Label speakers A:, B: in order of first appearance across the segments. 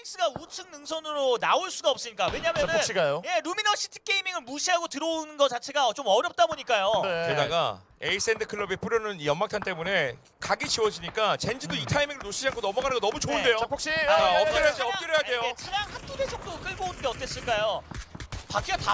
A: 소닉스가 우측 능선으로 나올 수가 없으니까. 왜냐면은
B: 폭시가요.
A: 예, 루미너시티 게이밍을 무시하고 들어오는 거 자체가 좀 어렵다 보니까요.
B: 네.
C: 게다가 에이샌드 클럽이 뿌려놓은 이 연막탄 때문에 각이 지워지니까 젠지도 이 타이밍을 놓치지 않고 넘어가는 거 너무 좋은데요.
B: 자 폭시.
C: 아, 엎드려야죠,
A: 차량,
C: 엎드려야 돼요.
A: 예, 차량 한두 대 정도 끌고 오는 게 어땠을까요? 바퀴가 다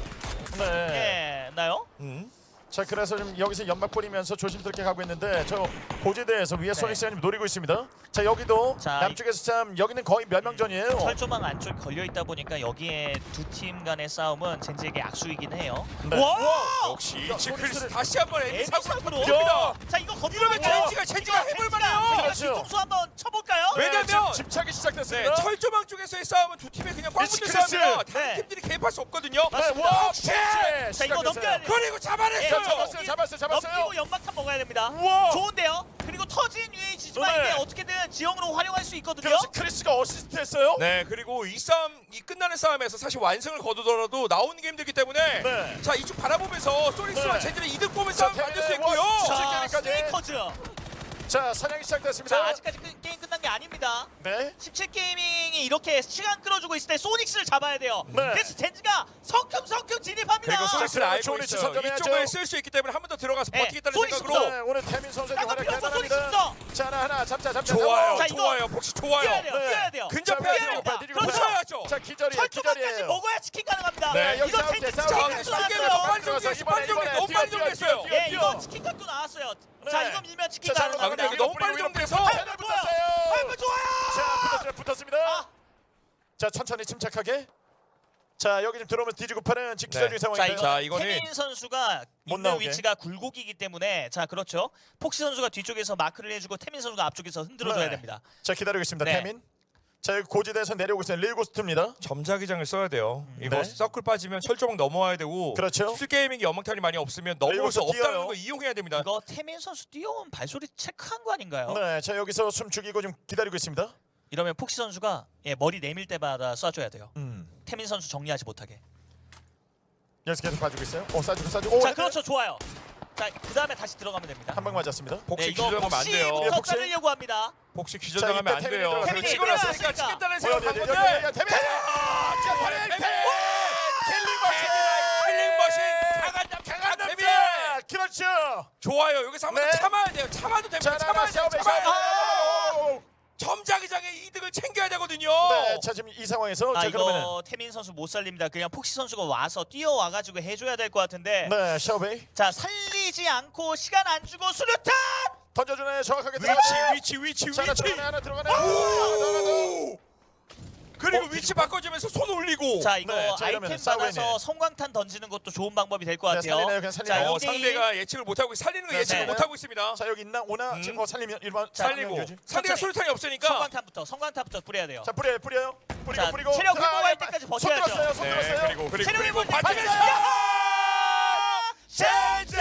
B: 네.
A: 부서졌나요?
B: 자 그래서 지금 여기서 연막 뿌리면서 조심스럽게 가고 있는데 저 고지대에서 위에 소닉스가 지금 노리고 있습니다. 자 여기도
A: 자,
B: 남쪽에서 참 여기는 거의 멸망전이에요.
A: 철조망 안쪽에 걸려 있다 보니까 여기에 두 팀 간의 싸움은 젠지에게 악수이긴 해요.
B: 네.
A: 와!
C: 역시
B: 야,
C: 이치크리스
B: 소닉스를-
C: 다시 한번
A: 에미
C: 에미사고
A: 사고로.
C: 듭니다.
A: 자 이거
C: 이러면 젠지가 해볼만해요.
B: 그렇죠.
A: 뒤통수 한번 쳐볼까요?
C: 왜? 왜냐면-
B: 지금 집착이
C: 네,
B: 시작됐습니다.
C: 철조망 쪽에서의 싸움은 두 팀이 그냥 꽉 붙는
B: 이치크리스.
C: 싸움이라 다른
A: 네.
C: 팀들이 개입할 수 없거든요.
A: 맞습니다.
B: 와,
C: 폭시!
A: 자 이거 넘겨야 돼요.
C: 그리고 잡아냈어요.
B: 잡았어요.
A: 넘기고 연막탄 먹어야 됩니다.
B: 우와.
A: 좋은데요. 그리고 터진 UH지만
B: 네.
A: 이게 어떻게든 지형으로 활용할 수 있거든요.
B: 그래서 크리스가 어시스트했어요.
C: 네, 그리고 이 싸움, 이 끝나는 싸움에서 사실 완승을 거두더라도 나오는 게 힘들기 때문에
B: 네.
C: 자, 이쪽 바라보면서 소닉스와
B: 네.
C: 젠지는 이득 보면
B: 자,
C: 싸움 만들 수
B: 네,
C: 있고요.
B: 원,
A: 자,
B: 게임까지.
A: 스네이커즈.
B: 자 사냥이 시작됐습니다.
A: 자 아직까지 게임 끝난 게 아닙니다.
B: 네.
A: 17게이밍이 이렇게 시간 끌어주고 있을 때 소닉스를 잡아야 돼요.
B: 네.
A: 그래서 젠지가 성큼성큼 진입합니다.
C: 그리고 소닉스를
B: 자,
C: 알고
B: 좋은 위치
C: 있어요.
B: 선점해야죠.
C: 이쪽을 쓸 수 있기 때문에 한 번 더 들어가서
A: 네,
C: 버티겠다는
A: 소닉스부터.
C: 생각으로
B: 네, 오늘 태민 선수의
A: 쌍꺼풀
B: 활약
A: 없어,
B: 대단합니다.
A: 소닉스부터.
B: 자 하나 잡자.
C: 좋아요,
A: 자, 이거
C: 좋아요. 폭시 좋아요.
A: 뛰어야 돼요.
B: 네.
A: 뛰어야 돼요.
C: 근접해야
A: 뛰어야
C: 돼요.
A: 됩니다.
B: 그렇죠.
C: 붙여야죠.
B: 자 기절이에요.
A: 철조망까지
B: 기절이에요.
A: 먹어야 치킨 가능합니다.
B: 네, 여기
A: 이거
B: 싸움
A: 젠지
B: 돼,
A: 치킨
B: 싸움
A: 각도
B: 돼.
C: 설계가
A: 나왔어요.
C: 너무 빨리 정리했어. 빨리 정리했어. 너무 빨리 정리했어요.
A: 예, 이거 치킨 각도 나왔어요. 자
B: 네.
A: 이거 밀면 치킨
B: 자,
A: 가능합니다.
C: 근데 이거 너무 빨리 정리해서
B: 패널 붙었어요.
A: 아이고 좋아요.
B: 붙었습니다.
A: 아.
B: 자 천천히 침착하게. 자 여기 지금 들어오면 뒤지고 파는 지금 기절
C: 네.
B: 중
A: 자
B: 상황입니다.
C: 자,
A: 이거
C: 이거는
A: 태민 선수가
B: 못
A: 있는
B: 나오게.
A: 위치가 굴곡이기 때문에 자 그렇죠. 폭시 선수가 뒤쪽에서 마크를 해주고 태민 선수가 앞쪽에서 흔들어줘야
B: 네.
A: 됩니다.
B: 자 기다리고 있습니다.
A: 네.
B: 태민. 자 여기 고지대에서 내려오고 있어요. 릴고스트입니다.
C: 점자기장을 써야 돼요. 이거
B: 네.
C: 서클 빠지면 철조망 넘어와야 되고
B: 그렇죠.
C: 술게이밍이 연막탄이 많이 없으면 넘어올 수
B: 여기서 뛰어요.
C: 없다는 거 이용해야 됩니다.
A: 이거 태민 선수 뛰어온 발소리 체크한 거 아닌가요?
B: 네, 자 여기서 숨 죽이고 좀 기다리고 있습니다.
A: 이러면 폭시 선수가 예, 머리 내밀 때마다 쏴줘야 돼요.
B: 음.
A: 태민 선수 정리하지 못하게.
B: 여기서 계속 봐주고 있어요. 쏴주고. 오,
A: 자
B: 네.
A: 그렇죠 좋아요. 자그 다음에 다시 들어가면 됩니다.
B: 한 방 맞았습니다.
C: 폭시
A: 네, 이거
C: 기절하면 안 돼요.
A: 폭시부터
B: 폭시.
A: 자르려고 합니다.
C: 폭시
B: 자,
C: 기절당하면
B: 이때
C: 안
B: 태민이
C: 돼요.
B: 들어가서
A: 태민이
C: 치고 났으니까
A: 들어갔으니까.
C: 치겠다는 생각 한 건데.
B: 태민.
C: 킬링 머신
B: 강한
C: 태민.
B: 남자. 그렇죠.
C: 좋아요. 여기서 한 번 더
B: 네.
C: 참아야 돼요. 참아도 됩니다.
B: 자,
C: 참아야 돼요. 참아야 돼요.
B: 아!
C: 점자기장의 이득을 챙겨야 되거든요.
B: 네, 자 지금 이 상황에서
A: 아
B: 자 그러면은
A: 이거 태민 선수 못 살립니다. 그냥 폭시 선수가 와서 뛰어와가지고 해줘야 될 것 같은데.
B: 네, 샤오베이
A: 자 살리지 않고 시간 안 주고 수류탄.
B: 던져주네. 정확하게 들어가네.
C: 위치.
B: 자, 하나 들어가네.
C: 그리고 위치 바꿔주면서 손 올리고.
A: 자 이거
B: 네, 자, 이러면
A: 아이템
B: 싸우겠네.
A: 받아서 성광탄 던지는 것도 좋은 방법이 될 것
B: 네,
A: 같아요.
B: 살리네요. 그냥 살리네요.
A: 자,
C: 상대가 예측을 못하고 살리는 거
B: 네,
C: 예측을
A: 네.
C: 못하고 있습니다.
B: 자 여기 있나 오나 지금 뭐 살리면 일반
C: 살리고 상대가 수류탄이 없으니까
A: 성광탄부터 뿌려야 돼요.
B: 자 뿌려요.
A: 자,
B: 뿌리고.
A: 체력
B: 자,
A: 회복할 때까지 버텨야죠.
B: 손
C: 네,
B: 들었어요.
C: 그리고
A: 체력 회복
C: 반칙을
B: 젠지!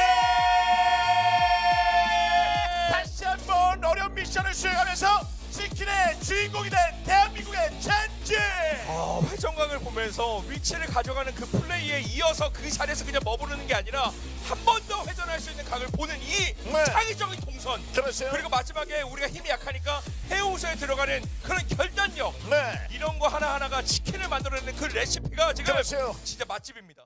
B: 다시 한번 어려운 미션을 수행하면서 치킨의 주인공이 된 대한민국의 젠지!
C: 회전광을 보면서 위치를 가져가는 그 플레이에 이어서 그 자리에서 그냥 머무르는 게 아니라 한 번 더 회전할 수 있는 각을 보는 이
B: 네.
C: 창의적인 동선.
B: 그렇죠.
C: 그리고 마지막에 우리가 힘이 약하니까 해우소에 들어가는 그런 결단력.
B: 네.
C: 이런 거 하나하나가 치킨을 만들어내는 그 레시피가 지금
B: 그렇죠.
C: 진짜 맛집입니다.